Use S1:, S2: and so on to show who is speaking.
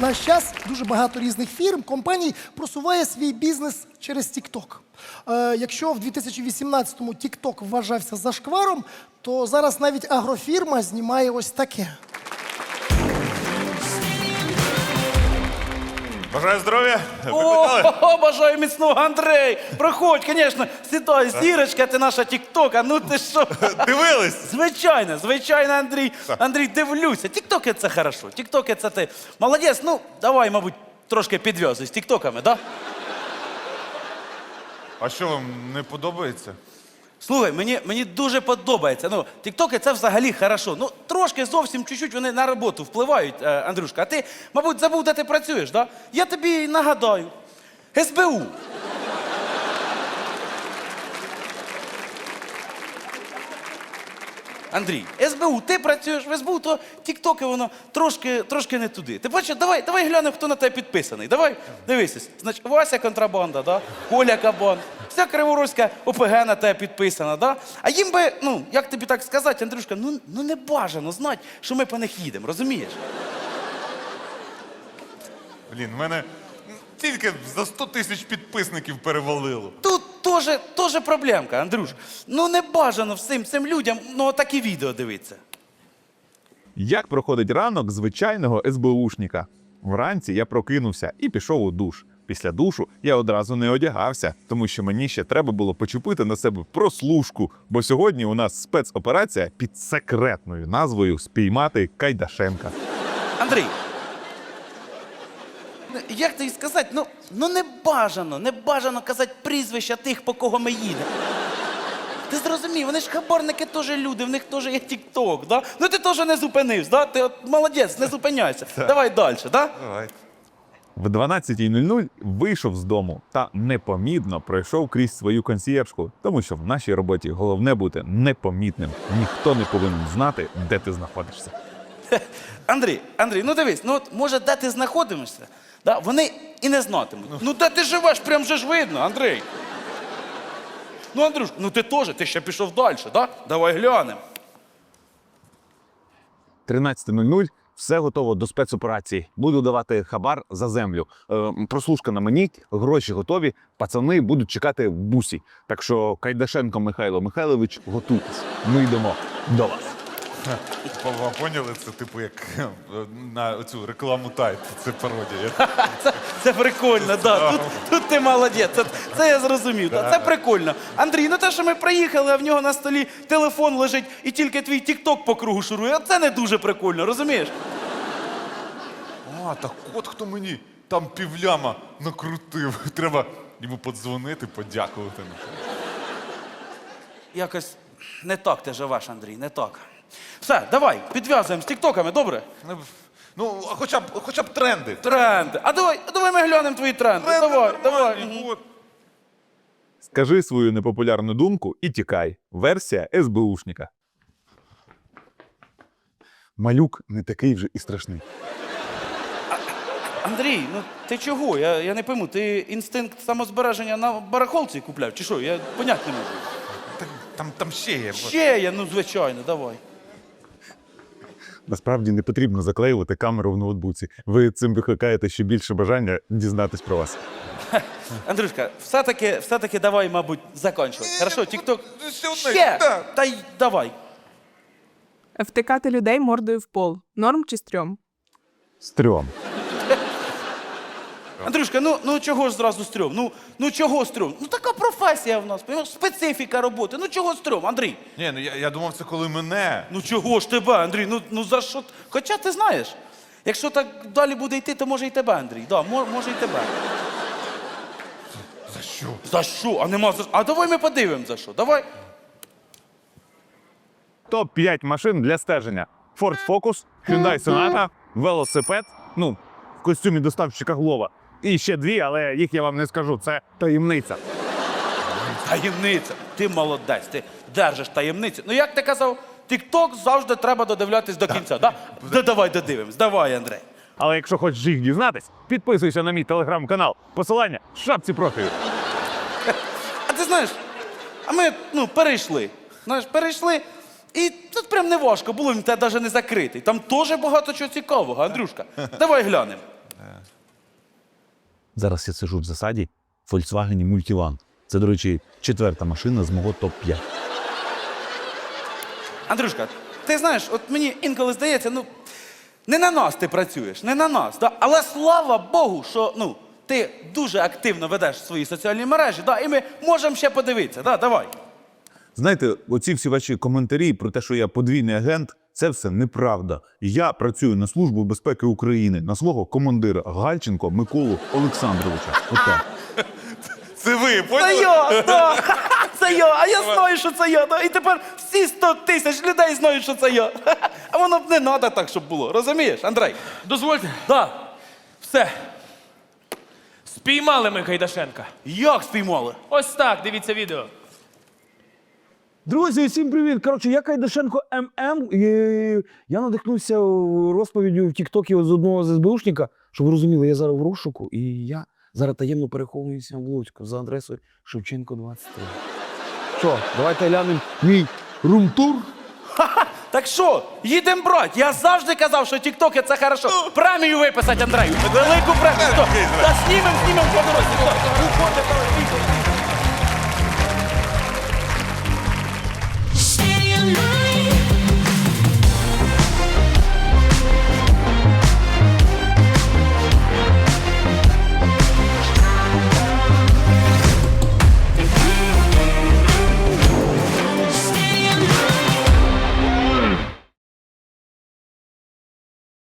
S1: наш час дуже багато різних фірм, компаній просуває свій бізнес через TikTok. Якщо в 2018-му TikTok вважався зашкваром, то зараз навіть агрофірма знімає ось таке.
S2: Бажаю здоров'я. Викликали?
S3: О, бажаю міцного, Андрей! Проходь, звісно, сідай, зірочка ти наша тіктока, ну ти що?
S2: Дивились?
S3: Звичайно, Андрій. Андрій, дивлюся. Тіктоки це хорошо, тіктоки це ти. Молодець, ну, давай, мабуть, трошки підв'язуй з тіктоками, да?
S2: А що вам не подобається?
S3: Слухай, мені дуже подобається. Ну, тіктоки це взагалі хорошо. Ну, трошки зовсім чуть-чуть вони на роботу впливають, Андрюшка. А ти, мабуть, забув, де ти працюєш, да? Я тобі нагадаю. СБУ. Андрій, СБУ, ти працюєш в СБУ, то тіктоки воно трошки не туди. Ти бачиш, давай глянемо, хто на тебе підписаний. Давай, дивися. Значить, Вася контрабанда, да? Коля Кабан. Вся Криворозька ОПГ на тебе підписана, да? А їм би, ну, як тобі так сказати, Андрюшка, ну не бажано знати, що ми по них їдемо, розумієш?
S2: Блін, в мене тільки за 100 тисяч підписників перевалило.
S3: Тут теж проблемка, Андрюш. Ну не бажано всім цим людям, ну, такі відео дивитися.
S4: Як проходить ранок звичайного СБУшника? Вранці я прокинувся і пішов у душ. Після душу я одразу не одягався, тому що мені ще треба було почепити на себе прослушку, бо сьогодні у нас спецоперація під секретною назвою «Спіймати Кайдашенка».
S3: Андрій, як тобі сказати, ну не бажано казати прізвища тих, по кого ми їдемо. Ти зрозумів, вони ж хабарники теж люди, в них теж є тік-ток, да? Ну ти теж не зупинився, да? Ти от молодець, не зупиняйся. Давай далі, да?
S2: Давай.
S4: В 12:00 вийшов з дому та непомітно пройшов крізь свою консьєржку, тому що в нашій роботі головне бути непомітним. Ніхто не повинен знати, де ти знаходишся.
S3: Андрій, ну дивись, ну от може де ти знаходишся, да? Вони і не знатимуть. Ну де ти живеш, прям же ж видно, Андрій. Ну, Андрюш, ну ти теж, ти ще пішов далі, да? Давай глянемо.
S4: 13:00 все готово до спецоперації. Буду давати хабар за землю. Прослушка на мені, гроші готові, пацани будуть чекати в бусі. Так що Кайдашенко Михайло Михайлович, готуйтесь. Ми йдемо до вас.
S2: Ви поняли? Це типу як на цю рекламу Тайт. Це пародія.
S3: Це прикольно, да. Тут ти молодець. Це я зрозумів. Да. Це прикольно. Андрій, ну те, що ми приїхали, а в нього на столі телефон лежить і тільки твій тік-ток по кругу шурує, це не дуже прикольно, розумієш?
S2: А, так от хто мені там півляма накрутив. Треба йому подзвонити, подякувати.
S3: Якось не так ти живеш, Андрій, не так. Все, давай, підв'язуємо з тіктоками, добре?
S2: Ну, хоча б тренди.
S3: Тренди. А давай ми глянемо твої тренди. Давай.
S2: От.
S4: Скажи свою непопулярну думку і тікай. Версія СБУшника. Малюк не такий вже і страшний.
S3: Андрій, ну ти чого? Я не пойму, ти інстинкт самозбереження на барахолці купляв, чи що? Я поняти не можу.
S2: Там ще є.
S3: Ще є, ну звичайно, давай.
S4: Насправді не потрібно заклеювати камеру в ноутбуці. Ви цим викликаєте ще більше бажання дізнатись про вас.
S3: Андрюшка, все-таки давай, мабуть, закінчувати. Хорошо, тік-ток?
S2: Ще!
S3: Та й давай.
S5: Втикати людей мордою в пол. Норм чи стрьом?
S4: Стрьом.
S3: Андрюшка, ну чого ж зразу стрьом? Ну чого стрьом? Ну така професія в нас, понимаєш? Специфіка роботи. Ну чого стрьом, Андрій?
S2: Ні, ну я думав, це коли мене.
S3: Ну чого ж тебе, Андрій? Ну за що? Хоча ти знаєш, якщо так далі буде йти, то може і тебе, Андрій. Да, може і тебе.
S2: За що?
S3: За що? А нема за що. А давай ми подивимо за що. Давай.
S4: Топ-5 машин для стеження. Ford Focus, Hyundai Sonata, велосипед, ну, в костюмі доставщика Глова. І ще 2, але їх я вам не скажу, це таємниця.
S3: Таємниця. Ти молодець, ти держиш таємницю. Ну як ти казав, тік-ток завжди треба додивлятись до кінця, да? Давай додивимось, давай, Андрій.
S4: Але якщо хочеш їх дізнатись, підписуйся на мій телеграм-канал. Посилання в шапці профілю.
S3: А ти знаєш, а ми, перейшли. Знаєш, перейшли, і тут прям не важко було, він тебе навіть не закритий. Там теж багато чого цікавого, Андрюшка. Давай глянемо.
S6: Зараз я сиджу в засаді в Volkswagen Multivan. Це, до речі, 4-та машина з мого топ-5.
S3: Андрюшка, ти знаєш, от мені інколи здається, ну, не на нас ти працюєш, не на нас. Да? Але слава Богу, що ну, ти дуже активно ведеш свої соціальні мережі, да? І ми можемо ще подивитися. Да? Давай.
S4: Знаєте, оці всі ваші коментарі про те, що я подвійний агент, це все неправда. Я працюю на Службу безпеки України, на свого командира Гальченко Миколу Олександровича. Отак.
S2: Це ви,
S3: Це
S2: поняли?
S3: я, да. Це я, а я знаю, що це я. Да? І тепер всі 100 тисяч людей знають, що це я. А воно б не треба так, щоб було. Розумієш, Андрей?
S7: Дозвольте.
S3: Да.
S7: Все. Спіймали ми Кайдашенка.
S3: Як спіймали?
S7: Ось так, дивіться відео.
S6: Друзі, всім привіт! Коротше, я Кайдашенко ММ, і я надихнувся розповіддю в Тіктокі з одного з СБУшника, щоб ви розуміли, я зараз в розшуку, і я зараз таємно переховуюся в Луцьку за адресою Шевченко 23. Що, давайте глянемо мій румтур?
S3: Так що, їдемо брать. Я завжди казав, що тіктоки це хорошо. Премію виписати, Андрею. Велику премію. Та знімем по дорозі. Уходимо, давай,